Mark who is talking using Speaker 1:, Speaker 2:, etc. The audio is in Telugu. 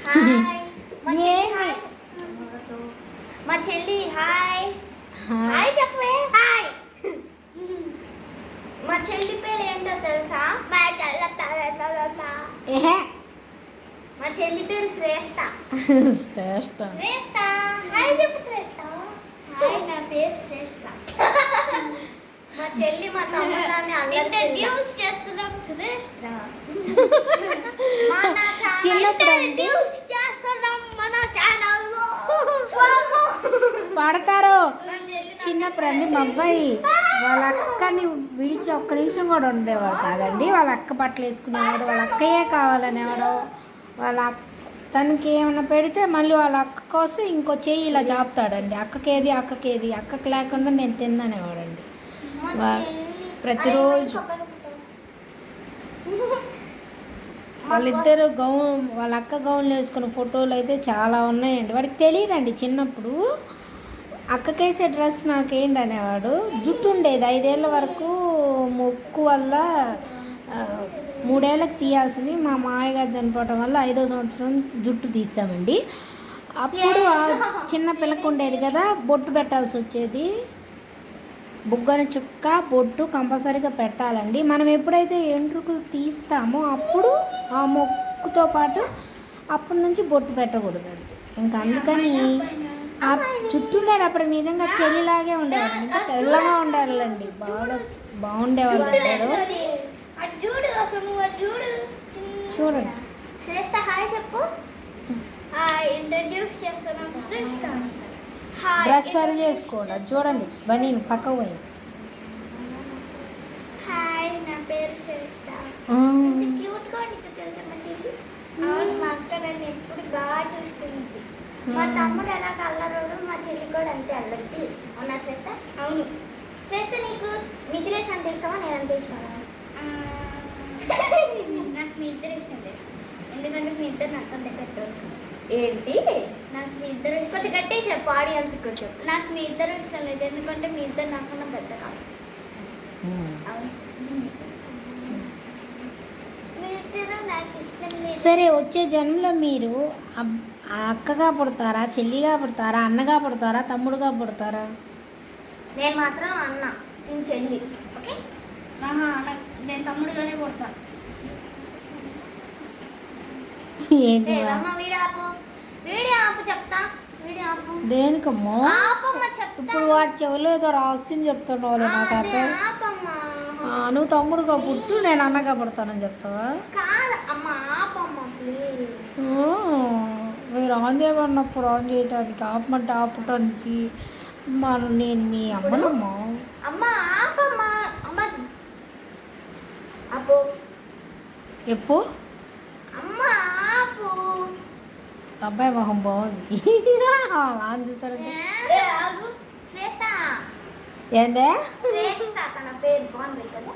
Speaker 1: హాయ్
Speaker 2: ఏమి
Speaker 1: మా చెల్లి హాయ్ హాయ్ చెప్పవే హాయ్. మా చెల్లి పేరు ఏంటో తెలుసా?
Speaker 2: ఏహే
Speaker 1: మా చెల్లి పేరు శ్రేష్ఠ.
Speaker 2: శ్రేష్ఠ
Speaker 1: శ్రేష్ఠ హాయ్ చెప్పు శ్రేష్ఠ. హాయ్ నా పేరు శ్రేష్ఠ. మా చెల్లి మా తమ్ముడాన్ని ఇంట్రడ్యూస్ చేస్తున్నాం శ్రేష్ఠ. మన
Speaker 2: చిన్నప్పుడు
Speaker 1: ఇంట్రడ్యూస్ చేస్తున్నాం మన ఛానల్లో.
Speaker 2: పడతారు. చిన్నప్పుడు అండి మా అబ్బాయి వాళ్ళ అక్కని విడిచి ఒక్క నిమిషం కూడా ఉండేవాడు కాదండి. వాళ్ళ అక్క బట్టలు వేసుకునేవాడు, వాళ్ళ అక్కయే కావాలనేవాడు. తనకి ఏమైనా పెడితే మళ్ళీ వాళ్ళ అక్క కోసం ఇంకో చెయ్యి ఇలా చాపుతాడండి. అక్కకేది అక్కకి లేకుండా నేను తిన్ననేవాడండి ప్రతిరోజు. వాళ్ళిద్దరు వాళ్ళ అక్క గౌన్లు వేసుకున్న ఫోటోలు అయితే చాలా ఉన్నాయండి. వాడికి తెలియదండి చిన్నప్పుడు అక్కకేసే డ్రెస్ నాకేంటి అనేవాడు. జుట్టు ఉండేది 5 ఏళ్ళ వరకు, మొక్కు వల్ల 3 ఏళ్ళకి తీయాల్సింది. మా మామయ్యగారు చనిపోవటం వల్ల 5వ సంవత్సరం జుట్టు తీసామండి. అప్పుడు చిన్న పిల్లకు ఉండేది కదా, బొట్టు పెట్టాల్సి వచ్చేది. బుగ్గన చుక్క బొట్టు కంపల్సరీగా పెట్టాలండి. మనం ఎప్పుడైతే ఎంట్రుకలు తీస్తామో అప్పుడు ఆ మొక్కుతో పాటు అప్పటి నుంచి బొట్టు పెట్టకూడదండి. ఇంకా అందుకని ఆ చుట్టూ ఉండేటప్పుడు నిజంగా చెల్లిలాగే ఉండేవాళ్ళు, ఇంకా తెల్లగా ఉండేవాళ్ళండి. బాగుండేవాళ్ళు అందరూ. చూడండి
Speaker 1: శ్రేష్ఠ హాయ్ చెప్పు. ఇంట్రడ్యూస్ చేస్తున్నాం శ్రేష్ఠ.
Speaker 2: డ్రెస్ సరి చేసుకోండి. చూడండి బనీన్ పక్క పోయింది.
Speaker 1: హాయ్ నా పేరు శ్రేష్ఠ. క్యూట్ గా నీకు తెలుసా మా చెల్లి? అవును, మా అక్క నన్ను ఎప్పుడు బాగా చూసుకుంది. మా తమ్ముడు ఎలా అల్లరోడు, మా చెల్లి కూడా అంతే అల్లరి. అవునా శ్రేష్ఠ? అవును. శ్రేష్ఠ నీకు మిథిలేష్ అంటే ఇష్టమా, నేనంటే ఇష్టమా? నాకు మీ ఇద్దరు ఇష్టం లేదు, ఎందుకంటే మీ ఇద్దరు నాకంటే పెట్టరు. ఏంటి? నాకు మీ ఇద్దరు కొంచెం గట్టిగా చెప్పు, ఆడియన్స్ కొంచెం. నాకు మీ ఇద్దరు ఇష్టం లేదు, ఎందుకంటే మీ ఇద్దరు నాకన్నా పెద్ద కాదు. నాకు ఇష్టం లేదు.
Speaker 2: సరే, వచ్చే జన్మలో మీరు అక్కగా పుడతారా, చెల్లిగా పుడతారా, అన్నగా పుడతారా, తమ్ముడుగా పుడతారా?
Speaker 1: నేను మాత్రం అన్న, నేను చెల్లి. ఓకే, నేను తమ్ముడుగానే పుడతా.
Speaker 2: ఏంటి
Speaker 1: వీడియో ఆపు చెప్తా. వీడియో ఆపు.
Speaker 2: దేనికమ్మో?
Speaker 1: ఆపమ్మా చెప్తా.
Speaker 2: ఇప్పుడు వాడి చెవులో ఏదో రహస్యం చెప్తున్నావు నాకు అర్థం.
Speaker 1: ఆపమ్మా.
Speaker 2: నువ్వు తమ్ముడుగా పుట్టు, నేను అన్నగా పుడతానని చెప్తావా?
Speaker 1: కాదు అమ్మా, ఆపమ్మా ప్లీజ్.
Speaker 2: మీరు ఆన్ చేయమన్నప్పుడు ఆన్ చేయడానికి, ఆపమంటే ఆపటానికి నేను మీ అమ్మనమ్మా.
Speaker 1: అమ్మా ఆపమ్మా. అమ్మ ఆపు.
Speaker 2: ఎప్పు
Speaker 1: అమ్మా ఆపు.
Speaker 2: అబ్బాయి మొహం బాగుంది. ఆన్ చూసారంటే
Speaker 1: శ్రేష్ఠ.
Speaker 2: ఏందే
Speaker 1: శ్రేష్ఠ తన పేరు బాగుంది కదా.